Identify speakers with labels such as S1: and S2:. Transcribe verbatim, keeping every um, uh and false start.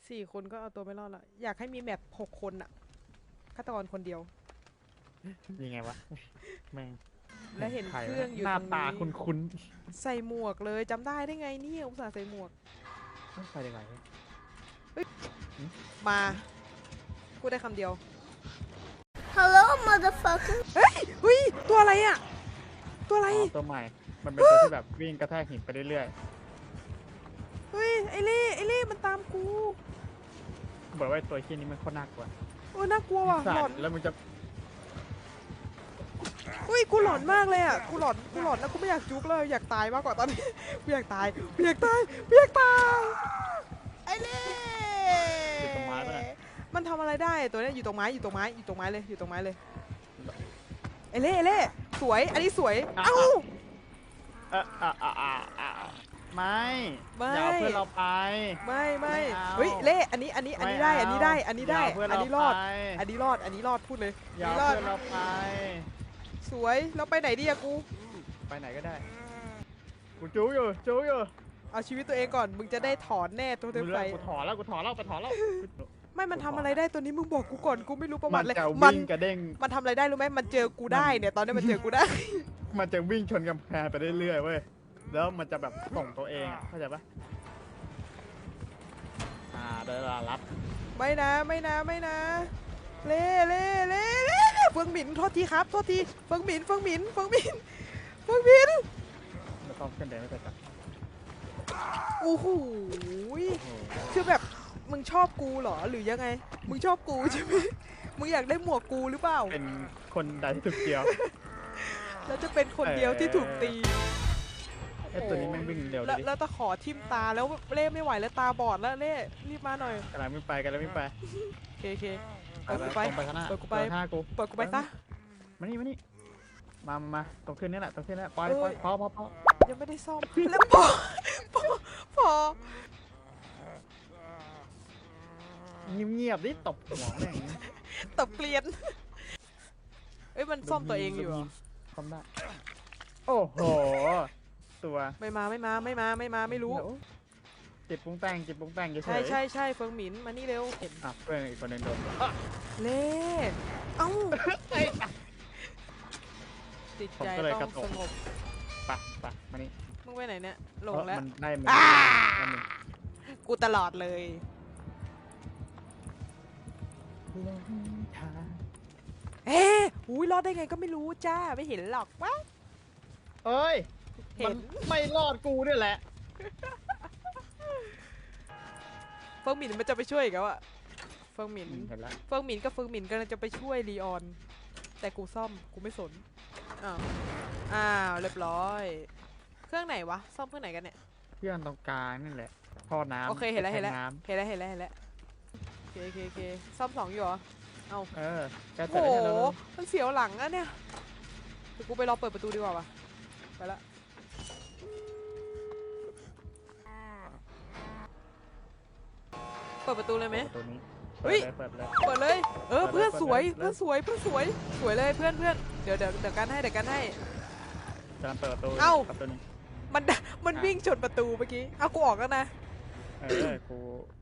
S1: สี่คนก็เอาตัวไม่รอดละอยากให้มีแมปหกคนอะฆาตกรคนเดียว
S2: ยังไงวะแม่ง
S1: และเห็น
S2: ใคร
S1: เครื่องอยู่
S2: หน้า
S1: ตรง
S2: ตา
S1: นี้
S2: คุ้น
S1: ใส่หมวกเลยจำได้ได้ไงเนี่ยอุตส่าห์ใส่หมวก
S2: ๆต้องไปยังไง
S1: มาพูดได้คำเดียว
S3: Hello, motherfucker.
S1: เฮ้ยเฮ้ยตัวอะไรอะตัวอะไร
S2: อ๋อตัวใหม่ มันเป็นตัวที่แบบวิ่งกระแทกหินไปเรื่อย
S1: เฮ้ยไอเล่ไอเล่มันตามกู
S2: ๆบอกว่าไอ้ตัวขี้นี้มันโคตรน่ากลัว
S1: โอ้ยน่ากลัวว่ะ
S2: สั
S1: หลอ
S2: ต
S1: น
S2: ว์แล้วมึงจะ
S1: อุ้ยกูหลอนมากเลยอ่ะกูหลอนกูหลอนแล้วกูไม่อยากจุกเลยอยากตายมากกว่าตอนนี้ กูอยากตายกูอยากตายกูอยากตายไอเล่
S2: อยู่ตรงไม้ปะเนี่ย
S1: มันทำอะไรได้ตัวเนี้ยอยู่ตรงไม้อยู่ตรงไม้อยู่ตรงไม้เลยอยู่ตรงไม้เลยไอเล่ไอเล่สวยอันนี้สวยเอ้า
S2: เอออ่ะอ่ะอ่ะอ่ะไม่
S1: ไม่
S2: อย่าเอาเพื่อนเราไป
S1: ไม่ไม่
S2: ไม่เอา
S1: เฮ้ยเล่อันนี้อันนี้อันนี้ได้อันนี้ได้อันนี้ได้
S2: ย่าเาเพื่อน
S1: อัน
S2: เรา
S1: นี้รอด
S2: ไป
S1: อันนี้รอดอันนี้รอดพูดเลย
S2: อย่า
S1: อัน
S2: เอา
S1: นี้รอด
S2: เพื่อนเราไป
S1: สวยแล้วไปไหนดีอะกู
S2: ไปไหนก็ได้กูจู้อยู่จู้อยู่
S1: เอาชีวิตตัวเองก่อนมึงจะได้ถอนแน่ตัวเต็ม
S2: กู
S1: ไฟ
S2: เลิกกูถอนแล้วกูถอนแล้วไปถอนแล้ว
S1: ไม่มันทำอะไรได้ตัวนี้มึงบอกกูก่อนกูไม่รู้ประวั
S2: มัน
S1: ติเลย
S2: จะ
S1: มั
S2: วิ่งกระเด้ง
S1: มันทำอะไรได้รู้ไหมมันเจอกูได้เนี่ยตอนนี้มันเจอกูได้
S2: มันจะวิ่งชนกำแพงไปเรื่อยๆเว้ย แล้วมันจะแบบส่งตัวเองอะเข้าใจปะอ่าได้เวลารับ
S1: ไม่นะไม่นะไม่นะเล่เล่เล่เล่เฟิงหมินโทษทีครับโทษทีเฟิงหมินเฟิงหมินเฟิงหมินเฟิงหมิน
S2: ไม่ต้องขึ้นเดินไม่เป็นไร
S1: โอ้โหคือแบบมึงชอบกูเหรอหรือยังไงมึงชอบกูใช่ไหมมึงอยากได้หมวกกูหรือเปล่า
S2: เป็นคนใดที่ถูกเดียว
S1: แล้วจะเป็นคนเดียวที่ถูกตี
S2: ไอ้ตัวนี้แม่งวิ่งเร็วเล
S1: แล้ว
S2: ยดิ
S1: แล้วตะขอทิ่มตาแล้วเล่ไม่ไหวแล้วตาบอดแล้วเล่รีบมาหน่อย
S2: กำลังวิ่งไปกำลังวิ่งไป
S1: โอเคโอเค
S2: ไป
S1: เปิด
S2: ไป
S1: กูไป
S2: ตรงไปข้างหน้า
S1: เปิดกูไป
S2: เดินห้ากู
S1: เปิดกูไปซะ
S2: มานี่มานี่มามามาตรงขึ้นนี่แหละตรงขึ้นนี่แหละปล่อย
S1: เอ้ย
S2: ปล่อยพอพอพอ
S1: ยังไม่ได้ซ่อมแล้วพอพอพอ
S2: เงียบๆดิตบหัวแม่ง
S1: ตบเกลียนเอ้ยมันซ่อมตัวเองอยู่เหรอ
S2: ซ่อมได้โอ้โหตัว
S1: ไม่มาไม่มาไม่มาไม่มาไม่รู้
S2: เดี๋ยวจิบปรุงแต่งจิบปรุงแต่งเฉยๆ
S1: ใช่ใช่ใช่เฟิงหมินมานี่เร็วเห็น
S2: อ่ะเพื่อนอีกคนหนึงโดน
S1: เล่เอ้าจิตใจต้องสงบ
S2: ปะปะมานี่
S1: มึงไปไหนเนี่ยหลงแล้ว
S2: มันได้มัน
S1: อ่า
S2: ได้มัน
S1: กูตลอดเลย
S2: หลงทาง
S1: เอ๊ะอุ้ยรอดได้ไงก็ไม่รู้จ้าไม่เห็นหรอกวะ
S2: เอ้ย
S1: เห็
S2: มัน นไม่รอดกูเนี่ยแหละ
S1: เฟิงหมินมันจะไปช่วยอีกแล้วอะเฟิงหมิน
S2: เห็นแล้ว
S1: เฟิงหมินกับเฟิงหมินกำลังจะไปช่วยลีออน แต่กูซ่อมกูไม่สนอ้าวอ้าวเรียบร้อย เครื่องไหนวะซ่อมเครื่องไหนกันเนี่ย
S2: เพื่อนตรงกลางนี่แหละท่อน้ำ
S1: โอเคเห็นแล้วเห็นแล้ว
S2: น้
S1: เห็นแล้วเห็นแล้วเห็นแล้วโอเคโอเคโอเคซ่อมสองอยู่เหรอเอา
S2: ำเออแก
S1: โอ้
S2: เสร็จ
S1: โห
S2: แล้วใช่ไหม
S1: มันเสียวหลังอะเนี่ยเดี๋ยวกูไปรอเปิดประตูดีกว่าวะไปละเปิดประตูเลยไหม
S2: ตัวนี้
S1: เฮ้ย
S2: เปิดเลย
S1: เปิดเลย เออ
S2: เปิดเลย
S1: เพื่อนสวย
S2: เปิดเลย
S1: เพื่อนสวยเพื่อนสวยสวยเลยเพื่อนเพื่อนเดี๋ยวเดี๋ยวเดี๋ยวกันให้เดี๋ยวกันให้
S2: กำลังเปิดประตู
S1: เอ้า
S2: ประตูนี้
S1: มันมันวิ่งชนประตูเมื่อกี้เอากูออกแล้วนะ
S2: เออกู